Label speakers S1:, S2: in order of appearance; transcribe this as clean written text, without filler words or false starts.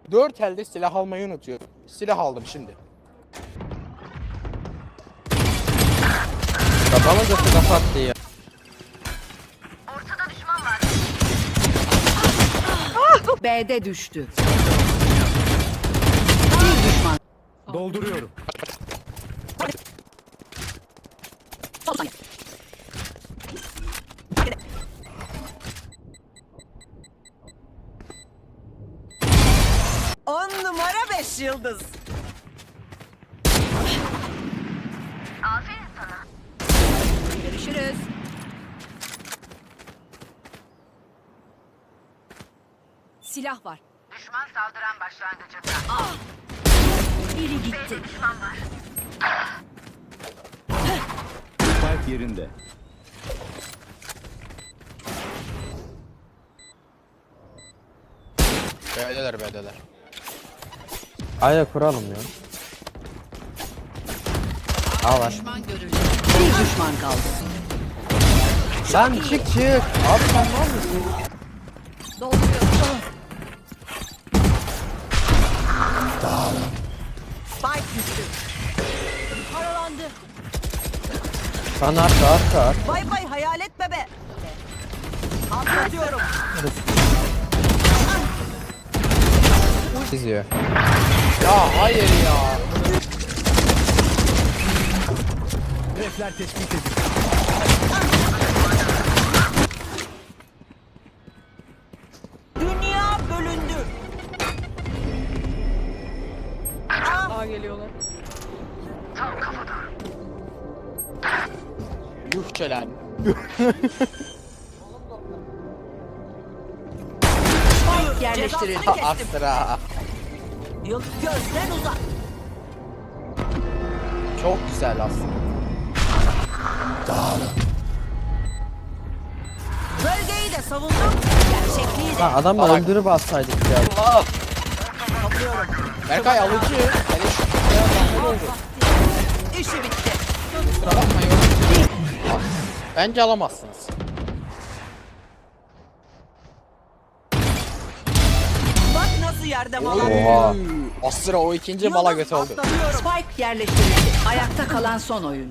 S1: 4 elde silah almayı unutuyorum. Silah aldım şimdi.
S2: Kafama götü kapattı ya.
S3: Ortada düşman var.
S4: B'de düştü. Bir düşman.
S5: Dolduruyorum.
S6: On numara 5 yıldız.
S3: Aferin sana.
S4: Görüşürüz. Silah var.
S3: Düşman saldıran başlangıcında.
S4: Biri gitti.
S3: Düşman var.
S5: Spike yerinde.
S1: B'deler.
S2: Aya kuralım ya. Al var.
S4: Bir düşman kaldı.
S2: Lan çık. Abi sen var mısın?
S4: Dolduruyorum.
S6: Spike düştü.
S4: Paralandı.
S2: Sana arka.
S6: Bay bay hayalet bebe. Atlatıyorum.
S2: Çiziyor.
S1: Ya hayır ya.
S5: Hedefler tespit edildi.
S6: Dünya bölündü.
S7: Daha geliyorlar.
S1: Yuh çelen.
S4: Yerleştirildi.
S6: Cezasını kestim.
S1: Astra.
S6: Gözden uzak.
S1: Çok güzel aslında.
S6: Bölgeyi de savundum. Gerçekliği de.
S2: Lan adamı
S1: Salak.
S2: öldürüp atsaydık ya.
S1: Allah. Berkay alıcı. Hele şu ya zahmet oldu.
S6: İşi bitti.
S1: Kusura bakmayın. Bence alamazsınız.
S6: Bak nasıl yerde mal.
S2: Oha.
S1: Astra o ikinci mala götü oldu.
S6: Atlatıyorum.
S4: Spike yerleştirildi. Ayakta kalan son oyuncu.